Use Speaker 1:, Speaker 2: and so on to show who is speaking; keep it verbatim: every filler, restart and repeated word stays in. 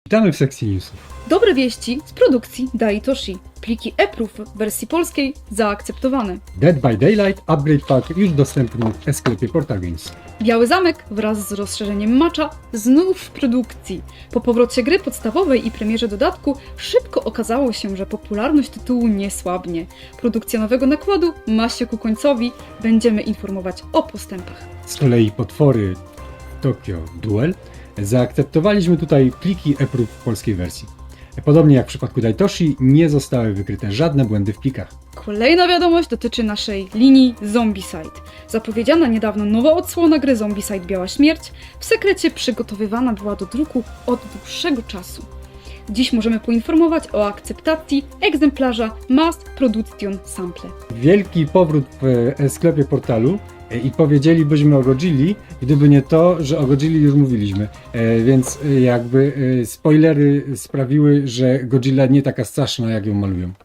Speaker 1: Witamy w sekcji newsów.
Speaker 2: Dobre wieści z produkcji Daitoshi. Pliki e-proof w wersji polskiej zaakceptowane.
Speaker 1: Dead by Daylight Upgrade Pack już dostępny w sklepie Portal Games.
Speaker 2: Biały Zamek wraz z rozszerzeniem Matcha znów w produkcji. Po powrocie gry podstawowej i premierze dodatku szybko okazało się, że popularność tytułu nie słabnie. Produkcja nowego nakładu ma się ku końcowi. Będziemy informować o postępach.
Speaker 1: Z kolei potwory Tokyo Duel zaakceptowaliśmy tutaj pliki e-proof w polskiej wersji. Podobnie jak w przypadku Daitoshi, nie zostały wykryte żadne błędy w plikach.
Speaker 2: Kolejna wiadomość dotyczy naszej linii Zombicide. Zapowiedziana niedawno nowa odsłona gry Zombicide Biała Śmierć w sekrecie przygotowywana była do druku od dłuższego czasu. Dziś możemy poinformować o akceptacji egzemplarza Mass Production Sample.
Speaker 1: Wielki powrót w sklepie Portalu i powiedzielibyśmy o Godzilli, gdyby nie to, że o Godzilli już mówiliśmy. E, więc jakby e, spoilery sprawiły, że Godzilla nie taka straszna, jak ją malują.